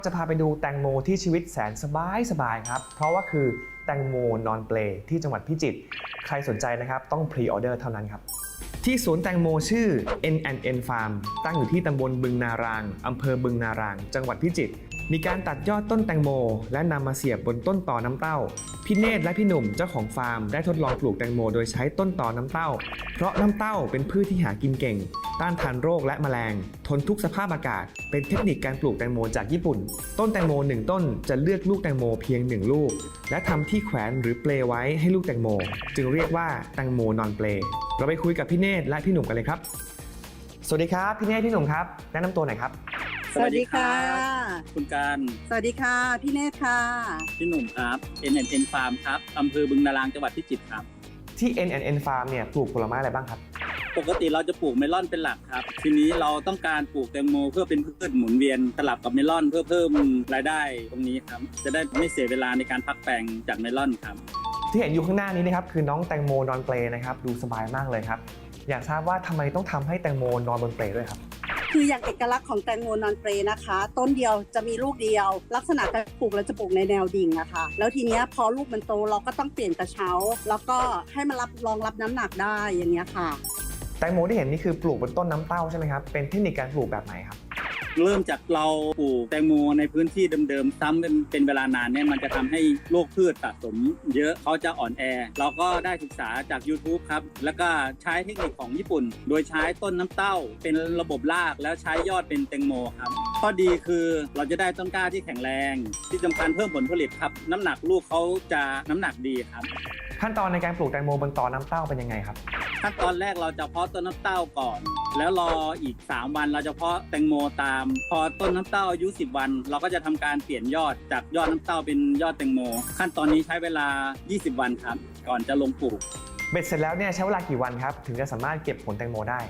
จะพาไปดูแตงโมที่ชีวิตแสนสบายครับเพราะว่าคือแตงโมนอนเปลที่จังหวัดพิจิตรใครสนใจนะครับต้องพรีออเดอร์เท่านั้นครับที่สวนแตงโมชื่อ N&N Farm ตั้งอยู่ที่ตำบลบึงนารางอำเภอบึงนารางจังหวัดพิจิตรมีการตัดยอดต้นแตงโมและนำมาเสียบบนต้นต่อน้ำเต้าพี่เนตรและพี่หนุ่มเจ้าของฟาร์มได้ทดลองปลูกแตงโมโดยใช้ต้นต่อน้ำเต้าเพราะน้ำเต้าเป็นพืชที่หากินเก่งต้านทานโรคและแมลงทนทุกสภาพอากาศเป็นเทคนิคการปลูกแตงโมจากญี่ปุ่นต้นแตงโม1ต้นจะเลือกลูกแตงโมเพียง1ลูกและทำที่แขวนหรือเปลไว้ให้ลูกแตงโมจึงเรียกว่าแตงโมนอนเปลเราไปคุยกับพี่เนตรและพี่หนุ่มกันเลยครับสวัสดีครับพี่เนตรพี่หนุ่มครับแนะนำตัวหน่อยครับสวัสดีค่ะคุณการสวัสดีค่ะพี่เนตรค่ะพี่หนุ่มครับ N&N Farm ครับอำเภอบึงนารางจังหวัดพิจิตรครับที่ N&N Farm เนี่ยปลูกผลไม้อะไรบ้างครับปกติเราจะปลูกเมลอนเป็นหลักครับทีนี้เราต้องการปลูกแตงโมเพื่อเป็นพืชหมุนเวียนสลับกับเมลอนเพื่อเพิ่มรายได้ตรงนี้ครับจะได้ไม่เสียเวลาในการพักแปลงจากเมลอนครับที่เห็นอยู่ข้างหน้านี้นะครับคือน้องแตงโมนอนเปลนะครับดูสบายมากเลยครับอยากทราบว่าทำไมต้องทำให้แตงโมนอนบนเปลด้วยครับคืออย่างเอกลักษณ์ของแตงโมนอนเปรนะคะต้นเดียวจะมีลูกเดียวลักษณะการปลูกเราจะปลูกในแนวดิ่งนะคะแล้วทีนี้พอลูกมันโตเราก็ต้องเปลี่ยนกระเช้าแล้วก็ให้มันรองรับน้ำหนักได้อย่างนี้ค่ะแตงโมที่เห็นนี่คือปลูกบนต้นน้ำเต้าใช่ไหมครับเป็นเทคนิคการปลูกแบบไหนครับเริ่มจากเราปลูกแตงโมในพื้นที่เดิมๆซ้ำเป็นเวลานานเนี่ยมันจะทำให้โรคพืชสะสมเยอะเขาจะอ่อนแอเราก็ได้ศึกษาจาก YouTube ครับแล้วก็ใช้เทคนิคของญี่ปุ่นโดยใช้ต้นน้ำเต้าเป็นระบบรากแล้วใช้ยอดเป็นแตงโมครับข้อดีคือเราจะได้ต้นกล้าที่แข็งแรงที่สำคัญเพิ่มผลผลิตครับน้ำหนักลูกเขาจะน้ำหนักดีครับขั้นตอนในการปลูกแตงโมบนตอน้ำเต้าเป็นยังไงครับขั้นตอนแรกเราจะเพาะต้นน้ำเต้าก่อนแล้วรออีก3วันเราจะเพาะแตงโมตามพอต้นน้ำเต้าอายุ10วันเราก็จะทำการเปลี่ยนยอดจากยอดน้ำเต้าเป็นยอดแตงโมขั้นตอนนี้ใช้เวลา20วันครับก่อนจะลงปลูกเบ็ดเสร็จแล้วเนี่ยใช้เวลากี่วันครับถึงจะสามารถเก็บผลแตงโมได้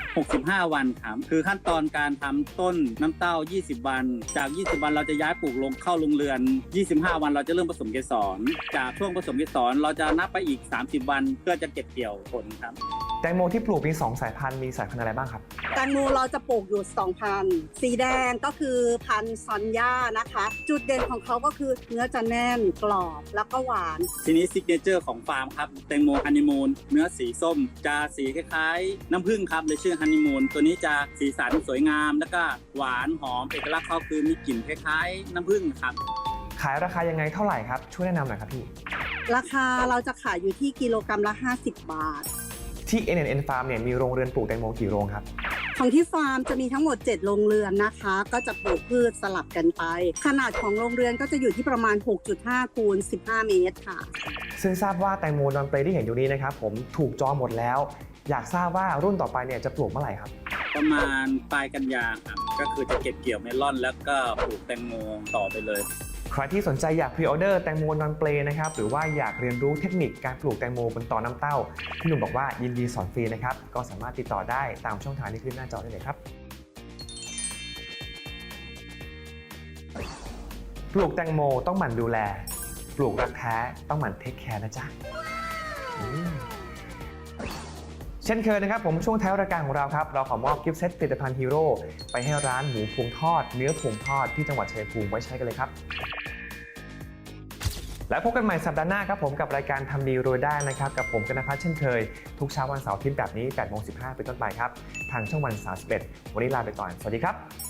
65วันครับคือขั้นตอนการทำต้นน้ำเต้า20วันจาก20วันเราจะย้ายปลูกลงเข้าโรงเรือน25วันเราจะเริ่มผสมเกสรจากช่วงผสมเกสรเราจะนับไปอีก30วันเพื่อจะเก็บเกี่ยวผลครับแตงโมที่ปลูกมี2สายพันธุ์มีสายพันธุ์อะไรบ้างครับแตงโมเราจะปลูกอยู่2พันธุ์สีแดงก็คือพันธุ์ซอนย่านะคะจุดเด่นของเขาก็คือเนื้อจะแน่นกรอบแล้วก็หวานทีนี้ซิกเนเจอร์ของฟาร์มครับแตงโมฮันนีมูนเนื้อสีส้มจะสีคล้ายๆน้ำผึ้งครับเลยชื่อฮันนีมูนตัวนี้จะสีสันสวยงามแล้วก็หวานหอมเอกลักษณ์เขาคือมีกลิ่นคล้ายๆน้ำผึ้งครับขายราคายังไงเท่าไหร่ครับช่วยแนะนำหน่อยครับพี่ราคาเราจะขายอยู่ที่กิโลกรัมละ50 บาทที่ N&N Farm เนี่ยมีโรงเรือนปลูกแตงโมกี่โรงครับของที่ฟาร์มจะมีทั้งหมด7โรงเรือนนะคะก็จะปลูกพืชสลับกันไปขนาดของโรงเรือนก็จะอยู่ที่ประมาณ 6.5 คูณ 15 เมตรค่ะซึ่งทราบว่าแตงโมนอนเปลที่เห็นอยู่นี้นะครับผมถูกจองหมดแล้วอยากทราบว่ารุ่นต่อไปเนี่ยจะปลูกเมื่อไหร่ครับประมาณปลายกันยาครับก็คือจะเก็บเกี่ยวเมลอนแล้วก็ปลูกแตงโมต่อไปเลยใครที่สนใจอยากพรีออเดอร์แตงโมนอนเปลนะครับหรือว่าอยากเรียนรู้เทคนิคการปลูกแตงโมบนตอน้ำเต้าพี่หนุ่มบอกว่ายินดีสอนฟรีนะครับก็สามารถติดต่อได้ตามช่องทางที่ขึ้นหน้าจอได้เลยครับปลูกแตงโมต้องหมั่นดูแลปลูกรักแท้ต้องหมั่นเทคแคร์นะจ๊ะเช่นเคยนะครับผมช่วงท้ายรายการของเราครับเราขอมอบกิฟต์เซตผลิตภัณฑ์ฮีโร่ไปให้ร้านหมูพวงทอดเนื้อพวงทอดที่จังหวัดชัยภูมิไว้ใช้กันเลยครับและพบกันใหม่สัปดาห์หน้าครับผมกับรายการทำดีรวยได้นะครับกับผมกนภัทรเช่นเคยทุกเช้าวันเสาร์อาทิตย์แบบนี้ 8:15 เป็นต้นไปครับทางช่องวัน31วันนี้ลาไปก่อนสวัสดีครับ